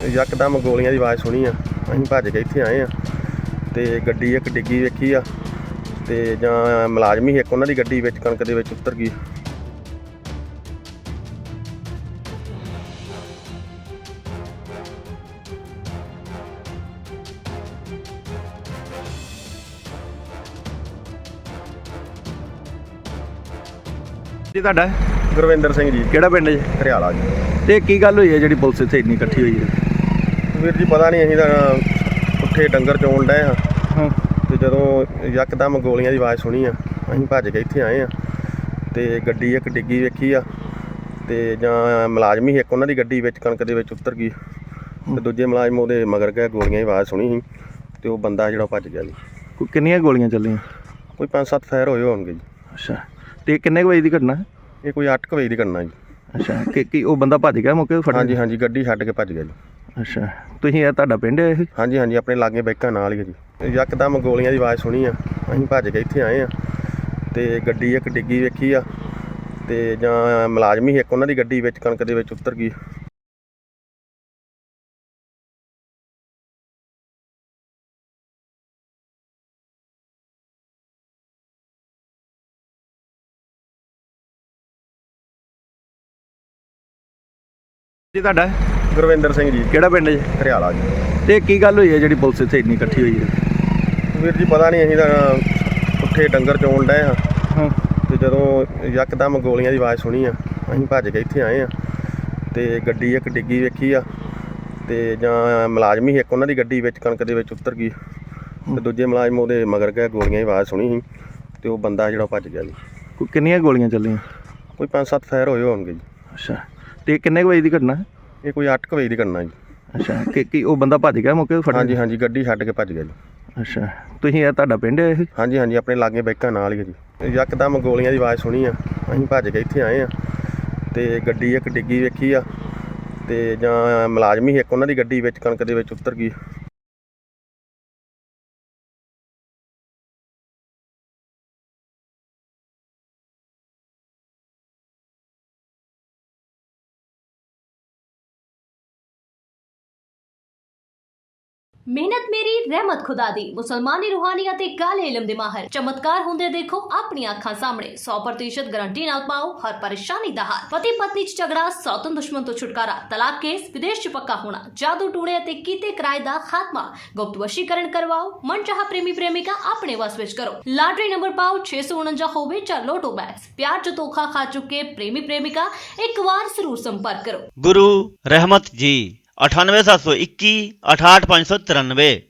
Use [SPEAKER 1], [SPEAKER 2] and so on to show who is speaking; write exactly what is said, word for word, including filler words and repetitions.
[SPEAKER 1] यकदम गोलियां की आवाज़ सुनी आ, असीं भज के इत्थे आए आ ते गड्डी एक डिग्गी वेखी आ ते जां मुलाजम ही एक उन्हां दी गड्डी विच कणक दे विच उतर गई।
[SPEAKER 2] ਜੀ ਤੁਹਾਡਾ
[SPEAKER 1] ਗੁਰਵਿੰਦਰ ਸਿੰਘ ਜੀ,
[SPEAKER 2] ਕਿਹੜਾ ਪਿੰਡ ਜੀ?
[SPEAKER 1] ਹਰਿਆਲਾ ਜੀ।
[SPEAKER 2] ਤੇ ਕੀ ਗੱਲ ਹੋਈ ਹੈ ਜਿਹੜੀ ਪੁਲਿਸ ਇੱਥੇ ਇੰਨੀ ਇਕੱਠੀ ਹੋਈ ਹੈ?
[SPEAKER 1] ਵੀਰ ਜੀ ਪਤਾ ਨਹੀਂ, ਅਸੀਂ ਤਾਂ ਉੱਥੇ ਡੰਗਰ ਚੋਣ ਡਏ ਹਾਂ
[SPEAKER 2] ਹਾਂ
[SPEAKER 1] ਤੇ ਜਦੋਂ ਯਕਦਮ ਗੋਲੀਆਂ ਦੀ ਆਵਾਜ਼ ਸੁਣੀ ਆ, ਅਸੀਂ ਭੱਜ ਕੇ ਇੱਥੇ ਆਏ ਆ ਤੇ ਗੱਡੀ ਇੱਕ ਡਿੱਗੀ ਵੇਖੀ ਆ ਤੇ ਜਾਂ ਮੁਲਾਜ਼ਮ ਹੀ ਇੱਕ ਉਹਨਾਂ ਦੀ ਗੱਡੀ ਵਿੱਚ ਕਣਕ ਦੇ ਵਿੱਚ ਉਤਰ ਗਈ ਤੇ ਦੂਜੇ ਮੁਲਾਜ਼ਮ ਉਹਦੇ ਮਗਰ ਗਏ। ਗੋਲੀਆਂ ਦੀ ਆਵਾਜ਼ ਸੁਣੀ ਸੀ ਤੇ ਉਹ ਬੰਦਾ ਜਿਹੜਾ ਭੱਜ ਗਿਆ ਜੀ।
[SPEAKER 2] ਕੋਈ ਕਿੰਨੀਆਂ ਗੋਲੀਆਂ ਚੱਲੀਆਂ?
[SPEAKER 1] ਕੋਈ ਪੰਜ ਸੱਤ ਫਾਇਰ ਹੋਏ ਹੋਣਗੇ ਜੀ।
[SPEAKER 2] ਅੱਛਾ, ਤੇ ਕਿੰਨੇ ਕੁ ਵਜੇ ਦੀ ਘਟਨਾ?
[SPEAKER 1] ਇਹ ਕੋਈ ਅੱਠ ਕੁ ਵਜੇ ਦੀ ਘਟਨਾ ਜੀ।
[SPEAKER 2] ਅੱਛਾ, ਕਿ ਕੀ ਉਹ ਬੰਦਾ ਭੱਜ ਗਿਆ ਮੌਕੇ ਤੋਂ ਫੜ?
[SPEAKER 1] ਹਾਂਜੀ ਹਾਂਜੀ, ਗੱਡੀ ਛੱਡ ਕੇ ਭੱਜ ਗਿਆ ਜੀ।
[SPEAKER 2] ਅੱਛਾ, ਤੁਸੀਂ ਇਹ ਤੁਹਾਡਾ ਪਿੰਡ ਹੈ ਇਹ?
[SPEAKER 1] ਹਾਂਜੀ ਹਾਂਜੀ, ਆਪਣੇ ਲਾਗੇ ਬਾਈਕਾਂ ਨਾਲ ਹੀ ਹੈ ਜੀ। ਯਕਦਮ ਗੋਲੀਆਂ ਦੀ ਆਵਾਜ਼ ਸੁਣੀ ਆ, ਅਸੀਂ ਭੱਜ ਕੇ ਇੱਥੇ ਆਏ ਆ ਤੇ ਗੱਡੀ ਇੱਕ ਡਿੱਗੀ ਵੇਖੀ ਆ ਤੇ ਜਾਂ ਮੁਲਾਜ਼ਮ ਹੀ ਇੱਕ ਉਹਨਾਂ ਦੀ ਗੱਡੀ ਵਿੱਚ ਕਣਕ ਦੇ ਵਿੱਚ ਉਤਰ ਗਈ।
[SPEAKER 2] ਜੀ ਤੁਹਾਡਾ
[SPEAKER 1] ਗੁਰਵਿੰਦਰ ਸਿੰਘ ਜੀ,
[SPEAKER 2] ਕਿਹੜਾ ਪਿੰਡ ਜੀ?
[SPEAKER 1] ਹਰਿਆਲਾ ਜੀ।
[SPEAKER 2] ਤੇ ਕੀ ਗੱਲ ਹੋਈ ਹੈ ਜਿਹੜੀ ਪੁਲਿਸ ਇੱਥੇ ਇੰਨੀ ਇਕੱਠੀ ਹੋਈ ਹੈ?
[SPEAKER 1] ਵੀਰ ਜੀ ਪਤਾ ਨਹੀਂ, ਅਸੀਂ ਤਾਂ ਉੱਥੇ ਡੰਗਰ ਚੋਣ ਡਏ ਹਾਂ
[SPEAKER 2] ਹਾਂ
[SPEAKER 1] ਤੇ ਜਦੋਂ ਯਕਦਮ ਗੋਲੀਆਂ ਦੀ ਆਵਾਜ਼ ਸੁਣੀ ਆ, ਅਸੀਂ ਭੱਜ ਕੇ ਇੱਥੇ ਆਏ ਆ ਤੇ ਗੱਡੀ ਇੱਕ ਡਿੱਗੀ ਵੇਖੀ ਆ ਤੇ ਜਾਂ ਮੁਲਾਜ਼ਮ ਹੀ ਇੱਕ ਉਹਨਾਂ ਦੀ ਗੱਡੀ ਵਿੱਚ ਕਣਕ ਦੇ ਵਿੱਚ ਉਤਰ ਗਈ ਤੇ ਦੂਜੇ ਮੁਲਾਜ਼ਮ ਉਹਦੇ ਮਗਰ ਗਏ। ਗੋਲੀਆਂ ਦੀ ਆਵਾਜ਼ ਸੁਣੀ ਸੀ ਤੇ ਉਹ ਬੰਦਾ ਜਿਹੜਾ ਭੱਜ ਗਿਆ ਜੀ।
[SPEAKER 2] ਕੋਈ ਕਿੰਨੀਆਂ ਗੋਲੀਆਂ ਚੱਲੀਆਂ?
[SPEAKER 1] ਕੋਈ ਪੰਜ ਸੱਤ ਫਾਇਰ ਹੋਏ ਹੋਣਗੇ ਜੀ।
[SPEAKER 2] ਅੱਛਾ, ਤੇ ਕਿੰਨੇ ਕੁ ਵਜੇ ਦੀ ਘਟਨਾ?
[SPEAKER 1] ਇਹ ਕੋਈ ਅੱਠ ਕੁ ਵਜੇ ਦੀ ਘਟਨਾ ਜੀ।
[SPEAKER 2] ਅੱਛਾ, ਕਿ ਕੀ ਉਹ ਬੰਦਾ ਭੱਜ ਗਿਆ ਮੌਕੇ ਤੋਂ ਫੜ?
[SPEAKER 1] ਹਾਂਜੀ ਹਾਂਜੀ, ਗੱਡੀ ਛੱਡ ਕੇ ਭੱਜ ਗਿਆ ਜੀ।
[SPEAKER 2] ਅੱਛਾ, ਤੁਸੀਂ ਇਹ ਤੁਹਾਡਾ ਪਿੰਡ ਹੈ ਇਹ?
[SPEAKER 1] ਹਾਂਜੀ ਹਾਂਜੀ, ਆਪਣੇ ਲਾਗੇ ਬਾਈਕਾਂ ਨਾਲ ਹੀ ਹੈ ਜੀ। ਯਕਦਮ ਗੋਲੀਆਂ ਦੀ ਆਵਾਜ਼ ਸੁਣੀ ਆ, ਅਸੀਂ ਭੱਜ ਕੇ ਇੱਥੇ ਆਏ ਆ ਤੇ ਗੱਡੀ ਇੱਕ ਡਿੱਗੀ ਵੇਖੀ ਆ ਤੇ ਜਾਂ ਮੁਲਾਜ਼ਮ ਹੀ ਇੱਕ ਉਹਨਾਂ ਦੀ ਗੱਡੀ ਵਿੱਚ ਕਣਕ ਦੇ ਵਿੱਚ ਉਤਰ ਗਈ।
[SPEAKER 3] ਮਿਹਨਤ ਮੇਰੀ ਰਹਿਮਤ ਖੁਦਾ ਦੀ। ਮੁਸਲਮਾਨੀ ਰੂਹਾਨੀ ਅਤੇ ਕਾਲੇ ਇਲਮ ਦੇ ਮਾਹਰ ਚਮਤਕਾਰ ਹੁੰਦੇ ਦੇਖੋ ਆਪਣੀਆਂ ਅੱਖਾਂ ਸਾਹਮਣੇ। ਸੌ ਪ੍ਰਤੀਸ਼ਤ ਗਾਰੰਟੀ ਨਾਲ ਪਾਓ ਹਰ ਪਰੇਸ਼ਾਨੀ ਦਾ ਹੱਲ। ਪਤੀ ਪਤਨੀ ਚ ਝਗੜਾ, ਸੌਤਨ ਦੁਸ਼ਮਣ ਤੋਂ ਛੁਟਕਾਰਾ, ਤਲਾਕ ਕੇਸ, ਵਿਦੇਸ਼ ਚ ਪੱਕਾ ਹੋਣਾ, ਜਾਦੂ ਟੂਣੇ ਅਤੇ ਕੀਤੇ ਕਿਰਾਏ ਦਾ ਖਾਤਮਾ, ਗੁਪਤ ਵਸ਼ੀਕਰਨ ਕਰਵਾਓ, ਮਨਚਾਹਾ ਪ੍ਰੇਮੀ ਪ੍ਰੇਮਿਕਾ ਆਪਣੇ ਵਸ ਵਿੱਚ ਕਰੋ। ਲਾਟਰੀ ਨੰਬਰ ਪਾਓ ਛੇ ਸੌ ਉਣੰਜਾ ਹੋਵੇ ਜਾਂ ਲੋਟੋ ਬੈਗਸ। ਪਿਆਰ ਚ ਧੋਖਾ ਖਾ ਚੁੱਕੇ ਪ੍ਰੇਮੀ ਪ੍ਰੇਮਿਕਾ ਇੱਕ ਵਾਰ ਜ਼ਰੂਰ ਸੰਪਰਕ ਕਰੋ।
[SPEAKER 4] गुरु रहमत जी अठानवे सात सौ इक्की अठाठ पाँच सौ तिरानवे।